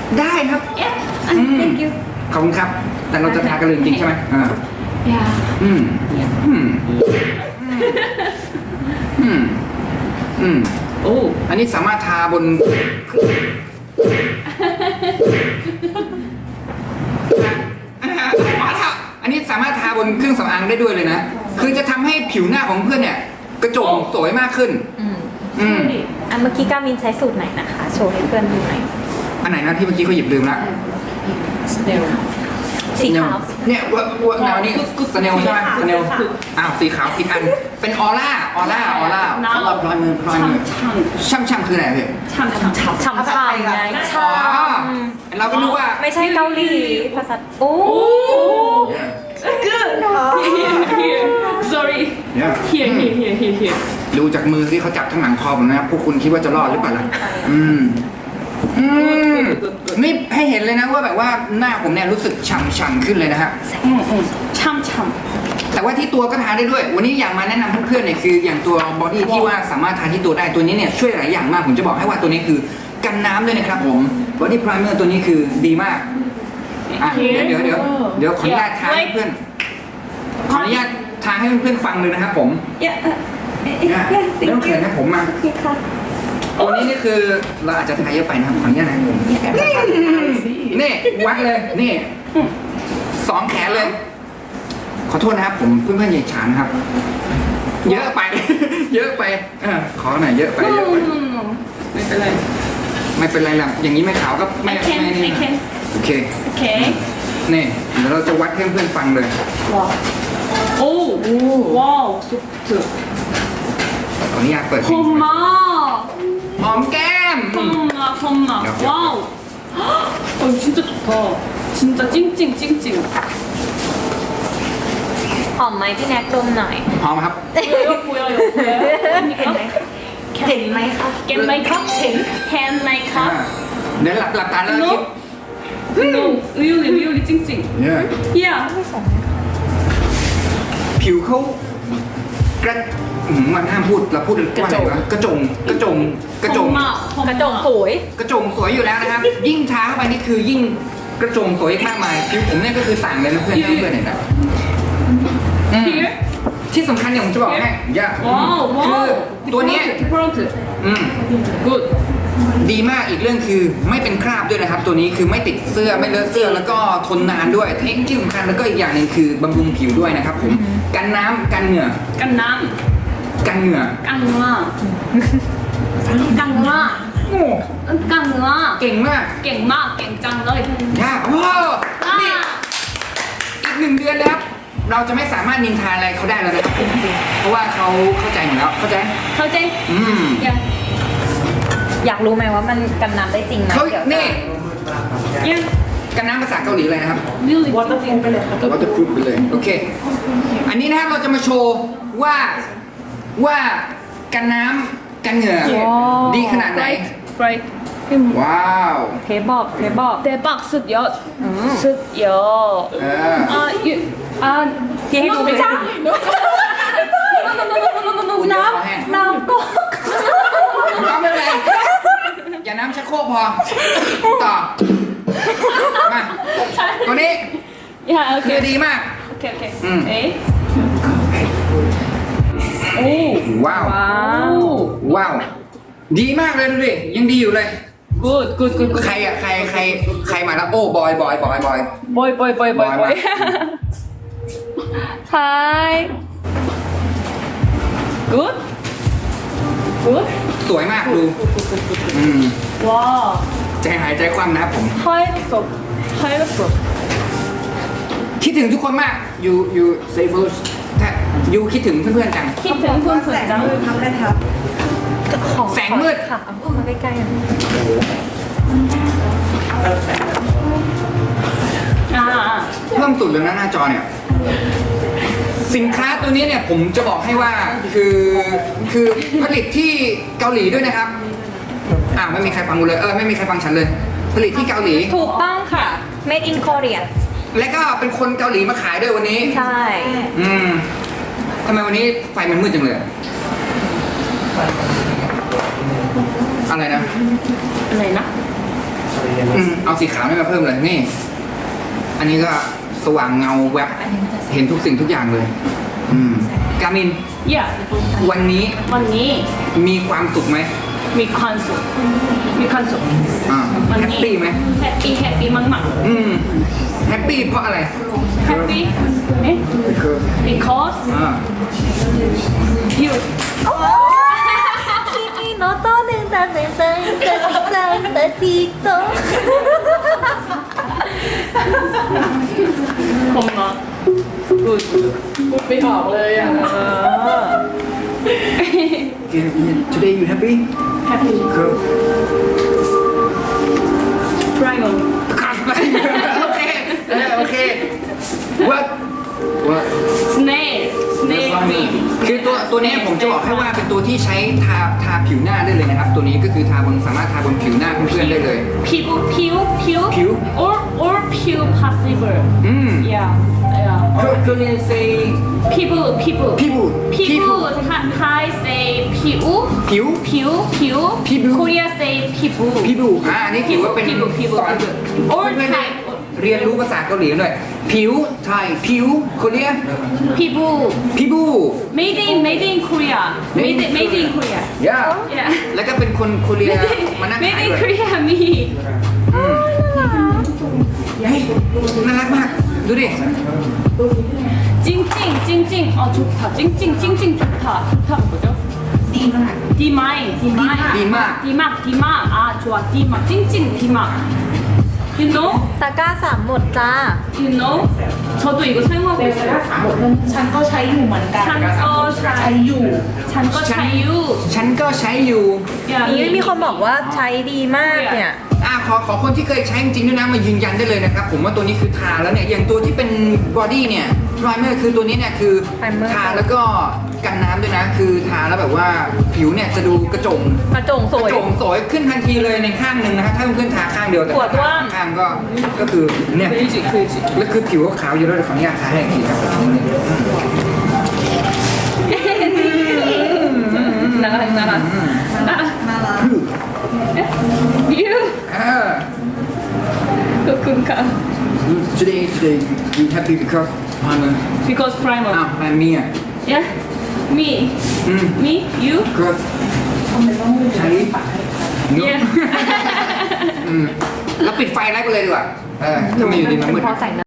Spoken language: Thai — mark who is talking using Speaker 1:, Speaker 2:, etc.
Speaker 1: ได้ครับ
Speaker 2: Yeah.
Speaker 1: อืม
Speaker 2: Thank you.
Speaker 1: ขอบคุณครับ แต่เราจะทากันเลยจริงๆใช่ไหม
Speaker 2: Yeah.
Speaker 1: อืม อืม อืม อืม
Speaker 2: Oh.
Speaker 1: อันนี้สามารถทาบน อันนี้สามารถทาบนเครื่องสำอางได้ด้วยเลยนะ คือจะทำให้ผิวหน้าของเพื่อนเนี่ย กระจ่างสวยมากขึ้น อืม
Speaker 3: อันเมื่อกี้กามินใช้สูตรไหนนะคะ โชว์ให้เพื่อนดูหน่อย
Speaker 1: อันไหนนะที่เมื่อกี้เขาหยิบลืมละ
Speaker 2: Still.
Speaker 3: สีขาว
Speaker 1: เนี่ยว่าแนวนี้สเนลใช่ไหมสเนลอ้าวสีขาวผิดอัน เป็นออร่าสำหรับรอยมือ ช่ำคืออะไรพี่
Speaker 2: 참.
Speaker 3: ฉ่ำๆไง
Speaker 1: อ๋อเราก็นึกว่า
Speaker 3: ไม่ใช่เกาหลีภาษาโอ้
Speaker 2: Good. Here. Sorry.
Speaker 1: Yeah.
Speaker 2: Here.
Speaker 1: ดูจากมือที่เขาจับทั้งหลังคอผมนะครับพวกคุณคิดว่าจะรอดหรือเปล่าล่ะอืมนี่ให้เห็นเลยนะว่าแบบว่าหน้าผมเนี่ยรู้สึกฉ่ำๆขึ้นเลยนะฮะ
Speaker 2: 참.
Speaker 1: แต่ว่าที่ตัวก็ทาได้ด้วย วันนี้อยากมาแนะนำเพื่อนๆเนี่ยคืออย่างตัวบอดี้ที่ว่าสามารถทาที่ตัวได้ตัวนี้เนี่ยช่วยหลายอย่างมากผมจะบอกให้ว่าตัวนี้คือกันน้ำด้วยนะครับผมบอดี้ไพรเมอร์ตัวนี้คือดีมากอ่ะเดี๋ยวขออนุญาตทาให้เพื่อนขออนุญาตทาให้เพื่อนๆฟังเลยนะครับผม
Speaker 2: Yeah.
Speaker 1: เนี่ยไม่ต้องเขินนะผมมาตัวนี้นี่คือเราอาจจะทาเยอะไปนะครับขออนุญาตนะนี่วัดเลยนี่สองแขนเลย ขอโทษนะครับผมเพื่อนๆอย่าฉานครับ เยอะไป เยอะไปขอหน่อยเยอะไป
Speaker 2: No. ไม่เป็นไร
Speaker 1: ไม่เป็นไรหรอกอย่างนี้ไม่ขาวก็ไม่
Speaker 2: I can.
Speaker 1: นี่
Speaker 2: I can.
Speaker 1: โอเค
Speaker 2: Okay.
Speaker 1: นี่เดี๋ยวเราจะวัดให้เพื่อนๆฟังเลย
Speaker 2: Oh. Wow. Soft.
Speaker 1: ขออนุญาตเปิดเพลง
Speaker 2: 콤마.
Speaker 1: หอมแก้ม
Speaker 2: 콤마. 와우. 진짜 좋다. 진짜 찡찡.
Speaker 3: หอมไหมพี่แน็กดมหน่อย
Speaker 1: หอมครับ
Speaker 2: 보여요.
Speaker 3: เห็นไหมคะ
Speaker 2: Get my cup. Hand my
Speaker 1: อ่า
Speaker 2: cup.
Speaker 1: เดี๋ยวหลับตาแล้วคิด
Speaker 2: No. 의욕이 찡찡.
Speaker 1: เนี่ย
Speaker 2: Yeah.
Speaker 1: ผิวเขากระมันห้ามพูดเราพูดว่าอะไรวะกระจง
Speaker 2: 콤마.
Speaker 3: กระจงสวย
Speaker 1: กระจงสวยอยู่แล้วนะครับ ยิ่งทาเข้าไปนี่คือยิ่งกระจงสวยมากมายผิวผมเนี่ยก็คือต่างเลยนะเพื่อนเพื่อนเห็นไหมอืม
Speaker 2: Here.
Speaker 1: ที่สำคัญเนี่ยผมจะบอกให้อย่า
Speaker 2: Wow.
Speaker 1: คือ
Speaker 2: Wow.
Speaker 1: ตัวเนี้ย
Speaker 2: Different.
Speaker 1: อืม
Speaker 2: Good.
Speaker 1: ดีมากอีกเรื่องคือไม่เป็นคราบด้วยนะครับ ตัวนี้คือไม่ติดเสื้อไม่เลอะเสื้อแล้วก็ทนนานด้วยเทคที่สำคัญแล้วก็อีกอย่างหนึ่งคือบำรุงผิวด้วยนะครับผมกันน้ำกันเหงื่อ
Speaker 2: 깐남.
Speaker 1: กันเหงื่อ
Speaker 2: 깐누아. 깐누아.
Speaker 1: โอ้
Speaker 2: 깐누아.
Speaker 1: เก่งมาก
Speaker 2: 깽마. 깽짱너이.
Speaker 1: ยากว้าวนี่อีก1 เดือนแล้วครับเราจะไม่สามารถนินทาอะไรเขาได้แล้วนะครับผมเพราะว่าเขาเข้าใจหมดแล้วเข้าใจ
Speaker 2: เข้าใจ
Speaker 1: อืม
Speaker 2: 야.
Speaker 3: อยากรู้ไหมว่ามันกันน้ำได้จริงไหม
Speaker 1: เขา
Speaker 3: เดี๋ยว
Speaker 1: นี่
Speaker 2: 야.
Speaker 1: กันน้ำภาษาเกาหลีเลยนะครับ
Speaker 2: Really.
Speaker 1: วัตถุพรูฟไปเลยโอเค อันนี้นะครับเราจะมาโชว์ว่ากันน้ำกันเหงื่อดีขนาดไหน
Speaker 2: Right.
Speaker 1: ว้าว
Speaker 3: เทบอก
Speaker 2: 대박 습여. 습여.
Speaker 1: เออ
Speaker 3: ที่ให้ดูไม่ใช่ น้ำก็
Speaker 1: ก็ไม่เป็นไรอย่าน้ำชักโครกพอต่อมาตัวนี้
Speaker 2: 야,
Speaker 1: คือ
Speaker 2: 오케이.
Speaker 1: ดีมาก
Speaker 2: 오케이, 오케이.
Speaker 1: 응.
Speaker 2: 에이. 오.
Speaker 1: ว้าว
Speaker 2: 오.
Speaker 1: ว้าว ดีมากเลยดูดิยังดีอยู่เลย
Speaker 2: 굿.
Speaker 1: ใครอ่ะใครมาแล้วโอ้บอย
Speaker 2: 보이. 하이. 굿. 굿.
Speaker 1: สวยมากดูอืม
Speaker 2: 와.
Speaker 1: ใจหายใจคว่ำนะครับผม
Speaker 2: 하이랬어.
Speaker 1: คิดถึงทุกคนมากยูเซฟยูคิดถึงเพื่อนๆจัง
Speaker 2: 키튼 푼푼 짱.
Speaker 3: ของ
Speaker 1: แสงมืด
Speaker 3: ค่ะเอาเข้ามาใกล้ๆ
Speaker 2: 아.
Speaker 1: เพิ่มสุดเลยนะหน้าจอเนี่ย สินค้าตัวนี้เนี่ยผมจะบอกให้ว่าคือผลิตที่เกาหลีด้วยนะครับไม่มีใครฟังกูเลยไม่มีใครฟังฉันเลย ผลิตที่เกาหลี
Speaker 3: ถูกต้องค่ะ made in Korea
Speaker 1: และก็เป็นคนเกาหลีมาขายด้วยวันนี้
Speaker 3: ใช่
Speaker 1: ทำไมวันนี้ไฟมันมืดจังเลยอะไรนะ
Speaker 2: อะไรนะ
Speaker 1: เอาสีขาวนี่มาเพิ่มเลยนี่ อันนี้ก็สว่างเงาแวบเห็นทุกสิ่งทุกอย่างเลย กามิน
Speaker 2: Yeah
Speaker 1: วันนี้
Speaker 2: วันนี้
Speaker 1: มีความสุขไหม
Speaker 2: มีความสุขมีความสุข วัน
Speaker 1: แฮป
Speaker 2: นี้
Speaker 1: ปี้ไหม
Speaker 2: แฮปปี้มาก
Speaker 1: แฮปปี้เพราะอะไร
Speaker 2: ๆ Happy เอ๊ะ because
Speaker 1: อ่า
Speaker 2: you
Speaker 3: 君のとねんだねんだんだんだんだんと
Speaker 2: ผมเนาะ good
Speaker 4: พูดไม่ออกเลยอ่ะ
Speaker 1: today you happy
Speaker 2: happy
Speaker 1: Cool.
Speaker 2: primal
Speaker 1: โอเคโอเค what
Speaker 2: snail cream
Speaker 1: คือตัวนี้ผมจะบอกให้ว่าเป็นตัวที่ใช้ทาผิวหน้าได้เลยนะครับ ตัวนี้ก็คือสามารถทาบนผิวหน้าเพื่อนๆได้เลย
Speaker 2: ผิว or ผิว possible yeah
Speaker 1: คือเรียน say
Speaker 2: ผิว ไทย say ผิว Korea say ผิว
Speaker 1: พี่บูอันนี้ถือว่าเป็น
Speaker 2: ผิว
Speaker 1: สอน
Speaker 2: or
Speaker 1: เพื่อนๆได้
Speaker 2: Thai
Speaker 1: เรียนรู้ภาษาเกาหลีกันด้วยผิวไทยผิวโคเรีย
Speaker 2: ผิว
Speaker 1: พี่บู
Speaker 2: made in Korea made in Korea
Speaker 1: ย่า
Speaker 2: yeah
Speaker 1: แล้วก็เป็นคนโคเรียมานั่ง
Speaker 2: made
Speaker 1: ขาย
Speaker 2: in
Speaker 1: ด้วย
Speaker 2: Korea me
Speaker 1: เฮ้ยน่ารักมาก ดูดิ
Speaker 2: 찡찡 아 좋다 찡찡 좋다 뭐죠? 디마이 아 좋아 디막 찡찡 디막 you know
Speaker 3: ตะกร้าสามหมดจ้า
Speaker 2: you know 저도 이거 사용하고 있어요
Speaker 4: ฉันก็ใช้อยู่เหมือนกัน ใช้อยู่
Speaker 2: 찬거 차유
Speaker 1: ฉันก็ใช้อยู่
Speaker 3: นี่มีคนบอกว่าใช้ดีมากเนี่ย
Speaker 1: ขอคนที่เคยใช้จริงๆด้วยนะมายืนยันได้เลยนะครับ ผมว่าตัวนี้คือทาแล้วเนี่ย อย่างตัวที่เป็นบอดี้เนี่ยไพรเมอร์คือตัวนี้เนี่ยคือ
Speaker 3: Primer
Speaker 1: ทาแล้วก็กันน้ำด้วยนะ คือทาแล้วแบบว่าผิวเนี่ยจะดูกระจ่ง
Speaker 3: กระจงสวย
Speaker 1: กระจ่งสวยขึ้นทันทีเลยในข้างหนึ่งนะครับถ้าเพื่อนๆทาข้างเดียวแต่
Speaker 3: ปวดว่าง
Speaker 1: ข้างก็คือเนี่ยแล้วคือผิวก็ขาวอยู่แล้วเดี๋ยวขออนุญาตทาให้อีกทีครับ
Speaker 3: น่ารัก
Speaker 2: you
Speaker 1: อ่า
Speaker 2: 거kun가
Speaker 1: today you happy because I'm a
Speaker 2: because primer
Speaker 1: อ้าวI'm me อ่ะ
Speaker 2: yeah me you
Speaker 1: ก็ใช้
Speaker 2: yeah
Speaker 1: แล้วปิดไฟไล่ไปเลยดีกว่าถ้าไม่อยู่ดีมันมืด
Speaker 3: พอใส่